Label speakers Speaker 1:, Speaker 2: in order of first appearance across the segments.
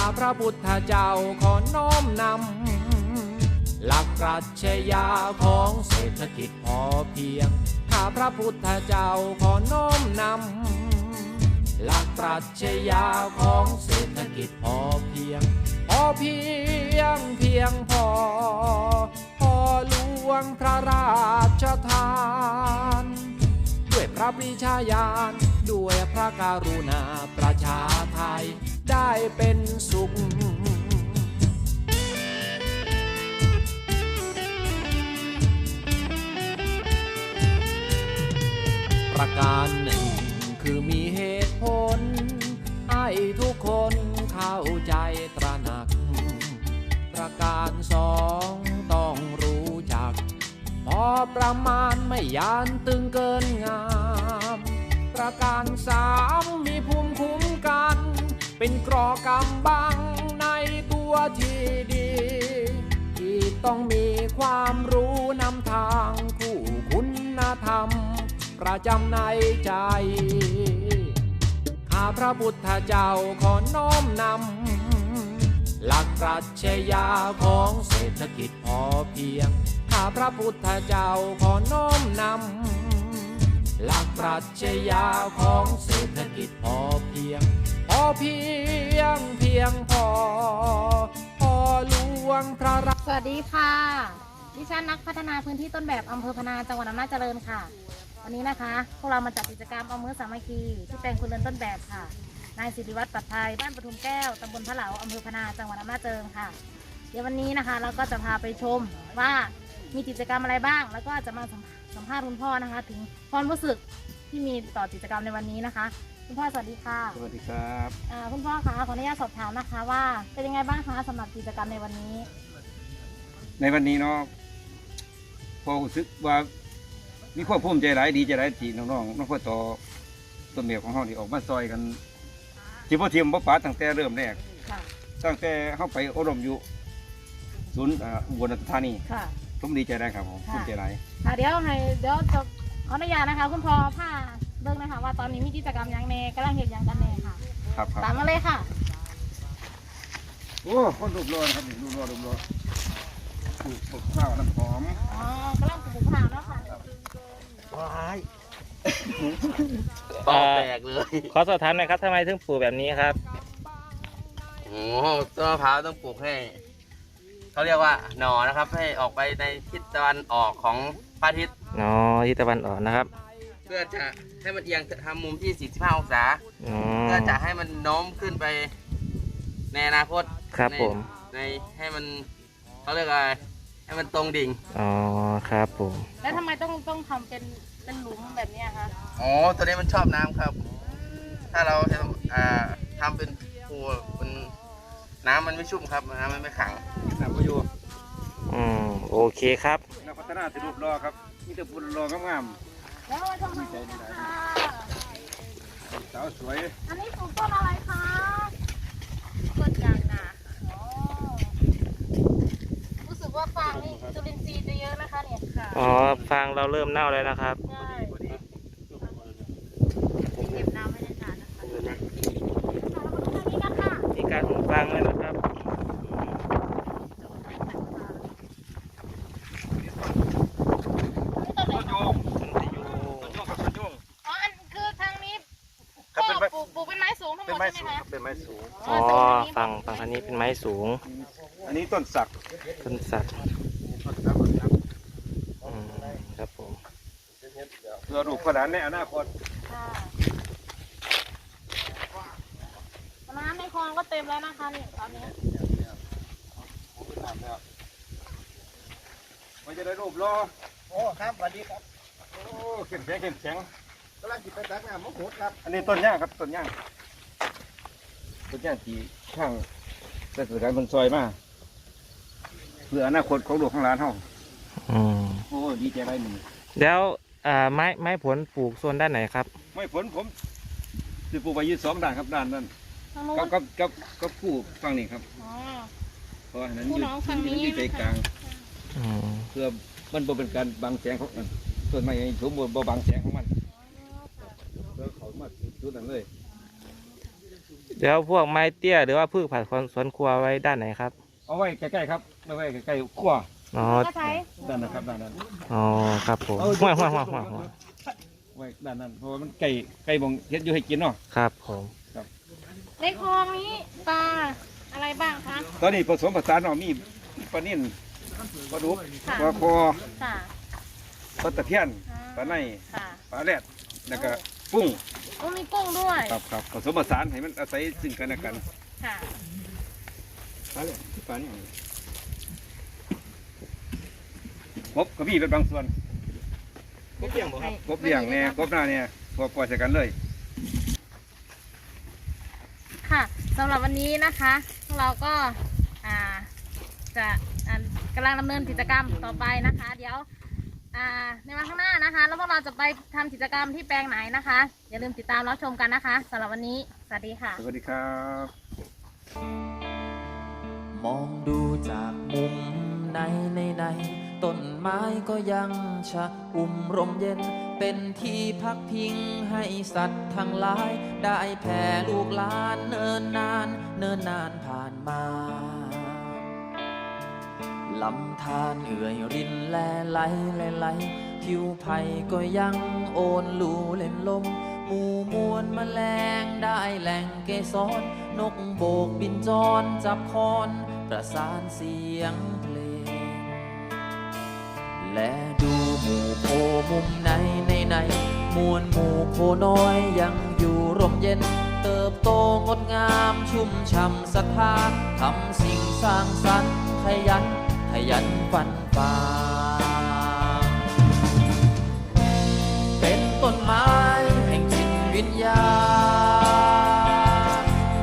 Speaker 1: พระพุทธเจ้าขอน้อมนำหลักปรัชญาของเศรษฐกิจพอเพียงข้าพระพุทธเจ้าขอน้อมนำหลักปรัชญาของเศรษฐกิจพอเพียงพอเพียงเพียงพอหลวงพระราชทานด้วยพระปรีชาญาณด้วยพระกรุณาประชาไทยได้เป็นสุขประการหนึ่งคือมีเหตุผลให้ทุกคนเข้าใจตระหนักประการสองต้องรู้จักพอประมาณไม่ยานตึงเกินงามประการสามมีภูมิคุ้มกันเป็นเกราะกำบังในตัวที่ดีที่ต้องมีความรู้นำทางคู่คุณธรรมประจำในใจข้าพระพุทธเจ้าขอน้อมนำหลักปรัชญาของเศรษฐกิจพอเพียงข้าพระพุทธเจ้าขอน้อมนำหลักปรัชญาของเศรษฐกิจพอเพียงพอเพียงเพียงพอหลวงพระราช
Speaker 2: สวัสดีค่ะดิฉันนักพัฒนาพื้นที่ต้นแบบอำเภอพนาจังหวัดอำนาจเจริญค่ะวันนี้นะคะพวกเรามาจัดกิจกรรมเอามือสามัคคีที่แปลงคุณเรือนต้นแบบค่ะนายศิริวัฒน์ปัตไทยบ้านปทุมแก้วตำบลพระเหลาอำเภอพนาจังหวัดอำนาจเจริญค่ะเดี๋ยววันนี้นะคะเราก็จะพาไปชมว่ามีกิจกรรมอะไรบ้างแล้วก็จะมาสัมภาษณ์คุณพ่อนะคะถึงความรู้สึกที่มีต่อกิจกรรมในวันนี้นะคะคุณพ่อสวัสดีค่ะ
Speaker 3: สวัสดีครับ
Speaker 2: คุณพ่อคะขออนุญาตสอบถามนะคะว่าเป็นยังไงบ้างคะสำหรับกิจกรรมในวันนี้
Speaker 3: ในวันนี้เนาะพอรู้สึกว่ามีความภูมิใจหลายดีใจหลายที่น้องพ่อต่อต้นแบบของเราที่ออกมาซอยกันที่พ่อเทียมพ่อป๋าตั้งแต่เริ่มแรกตั้งแต่เข้าไปอบรมอยู่ศูนย์อุบลราชธานีผมดีใจได้ครับผมภูมิใจหลาย
Speaker 2: เดี๋ยวจะขออนุญาตนะคะคุณพ่อผ้าเบิ่งนะคะว่าตอนนี้มีกิจกรรมยังเนกำลังเห็นยังกันเนค่ะ
Speaker 3: ครับ
Speaker 2: ตามมาเลยค่ะ
Speaker 3: โอ้คนรูปรอครับรูปรอปลูกข้าวน้ำหอม
Speaker 2: กำลังปลูกข้าวเนาะค่ะ
Speaker 4: ว้ายตอแตกเลย
Speaker 5: ขอสอบถามหน่อยครับทำไมถึงปลูกแบบนี้ครับ
Speaker 4: โอ้ต้นมะพร้าวต้องปลูกให้เขาเรียกว่าหน่อนะครับให้ออกไปในทิศตะวันออกของพระอาทิตย์
Speaker 5: ทิศตะวันออกนะครับ
Speaker 4: เพื่อจะให้มันเอียงทำมุมที่45องศาเพื่อจะให้มันโน้มขึ้นไปในอนาคต
Speaker 5: ครับผม
Speaker 4: ในให้มันเขาเรียกอะไรให้มันตรงดิ่ง
Speaker 5: ครับผม
Speaker 2: แล้วทำไมต้องทำเป็นหลุมแบบนี้คะ
Speaker 4: ตัวนี้มันชอบน้ำครับถ้าเราทำเป็นปูมันน้ำมันไม่ชุ่มครับน้ำมันไม่ขัง
Speaker 3: น้ำก็อยู่
Speaker 5: โอเคครับ
Speaker 3: นักพัฒนาสิรูปรอครับมีแต่ปูรองาม
Speaker 2: แล้วมาชมกันค่ะ
Speaker 3: สาวสวย
Speaker 2: อันนี้ปลูกต้นอะไรคะต้นยางนารู้สึกว่าฟางนี่จุลินทรีย์จะเยอะนะคะเนี่ย
Speaker 5: ฟางเราเริ่มเน่าแล้วนะครับ
Speaker 2: ใช่เก็บน้ำไม่ได้นานนะคะ
Speaker 5: มีการหุงฟางเลยนะครับ
Speaker 2: ปลูกเป็นไม้สูงทั้งหมดใช่ไหมคะ
Speaker 3: เป็นไม้สูง
Speaker 5: ฝั่งอันนี้เป็นไม้สูง
Speaker 3: อันนี้ต้นสัก
Speaker 5: ครับผม
Speaker 3: เพื่อลูกขนาดในอนาคต
Speaker 2: น้ำในคลองก็เต็มแล้วนะคะนี่ตอนนี้
Speaker 3: มันจะได้รูปรอ
Speaker 4: ครับสวัสดีครับ
Speaker 3: เข้มแข็ง
Speaker 4: กำลังจิบไปตักน้ำมะขุดครับ
Speaker 3: อันนี้ต้นย่างครับต้นย่างที่ข้างได้สื่อการบนซอยมาเพื่ออนาคตของลูกของหลานเฮาดีใจไรหนึ่ง
Speaker 5: แล้วไม้ผลปลูกโซนด้านไหนครับ
Speaker 3: ไม้ผลผมจะปลูกไปยืด2 ด้านครับด้านนั้นก็ปลูกฝั่งนี้ครับเพราะนั้นอยู่ใจกลางเพื่อมันบ่เป็นการบังแสงของมันส่วนไม้สมบูรณ์บ่บังแสงของมันเพื่อเขามาจุดนั้นเลย
Speaker 5: เดี๋ยวพวกไม้เตี้ยหรือว่าพืชผักสวนครัวไว้ด้านไหนครับ
Speaker 3: เอาไว้ใกล้ๆครับเอาไว้ใกล้ๆขั้ว
Speaker 5: อ๋อ
Speaker 2: ก็ใช้
Speaker 3: ด้านนั้นครับด้านนั้น
Speaker 5: อ๋อครับผม
Speaker 3: เอา
Speaker 5: ห้วย
Speaker 3: ไว้ด้านนั้นเพราะว่ามันไก่บ่งเฮ็ดอยู่ให้กินเนาะ
Speaker 5: ครับผม
Speaker 2: ในคลองนี้ปลาอะไรบ้างคะ
Speaker 3: ตอนนี้ผสมผสานเนาะมีปลานิ่นปลาดุก
Speaker 2: ค่ะ
Speaker 3: ปลาคอ
Speaker 2: ค่ะ
Speaker 3: ปลาตะเพียนปลาใน
Speaker 2: ค่ะ
Speaker 3: ปลาแรดแล้วก็กุ้ง
Speaker 2: โอ้มีกุ้งด้วย
Speaker 3: ครับผสมผสานให้มันอาศัยซึ่งกันและกัน
Speaker 2: ค่ะ
Speaker 3: ปลาแรดปลานี่กบก็มีเป็นบางส่วน
Speaker 4: กบเลี้ยงบ่ครับ
Speaker 3: กบเลี้ยงเนี่ยกบหน้าเนี่ยพอปล่อยใส่กันเลย
Speaker 2: ค่ะสำหรับวันนี้นะคะพวกเราก็จะกำลังดำเนินกิจกรรมต่อไปนะคะ เดี๋ยวในวันข้างหน้านะคะ แล้วพวกเราจะไปทำกิจกรรมที่แปลงไหนนะคะ อย่าลืมติดตามรับชมกันนะคะสำหรับวันนี้สวัสดีค่ะ
Speaker 3: สวัสดีครับ
Speaker 1: มองดูจากมุมในต้นไม้ก็ยังชะอุ่มร่มเย็น เป็นที่พักพิงให้สัตว์ทั้งหลาย ได้แผ่ลูกหลานเนิ่นนานผ่านมา ลำธารเอื่อยรินแลไหลผิวไผ่ก็ยังโอนลูเล่นลม หมู่มวลแมลงได้แหล่งเกสร นกโบกบินจรจับคอนประสานเสียงเพลง และดูหมู่โพมุมในมวลหมู่โพน้อยยังอยู่ร่มเย็น เติบโตงดงามชุ่มช่ำศรัทธาทำสิ่งสร้างสรรค์ขยันฟันฝ่าเป็นต้นไม้แห่งจิตวิญญาณ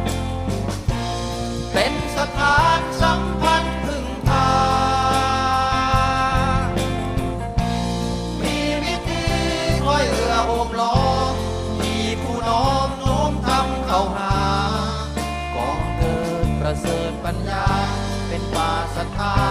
Speaker 1: เป็นสถานสัมพันธ์พึ่งพามีวิธีคอยเอื้อโอบล้อมมีผู้น้อมโน้มทำเข้าหาก่อเกิดประเสริฐปัญญาเป็นป่าศรัทธา